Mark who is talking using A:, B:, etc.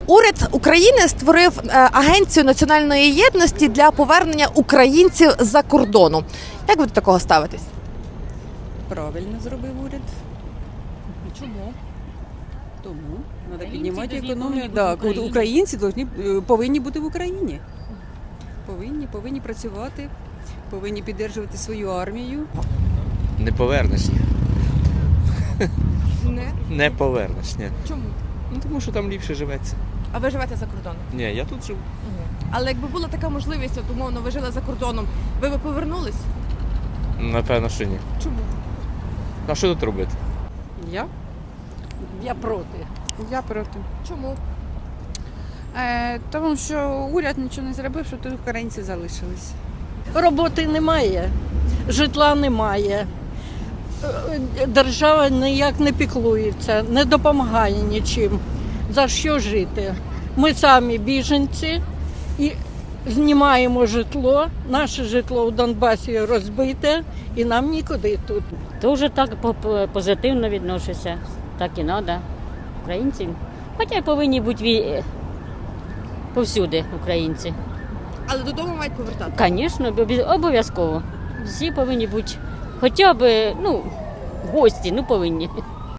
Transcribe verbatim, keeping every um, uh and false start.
A: Уряд України створив агенцію національної єдності для повернення українців з-за кордону. Як ви до такого ставитесь?
B: Правильно зробив уряд.
A: Чому?
B: Тому треба
C: Українці
B: піднімати
C: повинні
B: економію.
C: бути
B: Да,
C: в Україні.
B: українці повинні, повинні бути в Україні. Повинні, повинні працювати, повинні підтримувати свою армію.
D: Не повернеш.
A: Не.
D: Не повернеш, ні.
A: Чому?
D: Ну тому що там ліпше живеться.
A: А ви живете за кордоном?
D: Ні, я тут живу.
A: Але якби була така можливість, от умовно, ви жили за кордоном, ви би повернулись?
D: Напевно, що ні.
A: Чому?
D: А що тут робити?
B: Я?
E: Я проти.
B: Я проти.
A: Чому?
B: Е, тому що уряд нічого не зробив, що тут українці залишились.
E: Роботи немає, житла немає. Е, Держава ніяк не піклується, не допомагає нічим. За що жити? Ми самі біженці і знімаємо житло. Наше житло у Донбасі розбите і нам нікуди тут.
C: Дуже так по- по- позитивно відношуся. Так і треба. Українці. Хоча й повинні бути ві- повсюди українці.
A: Але додому мають повертати.
C: Звісно, обов'я- обов'язково. Всі повинні бути хоча б, ну, гості, ну повинні.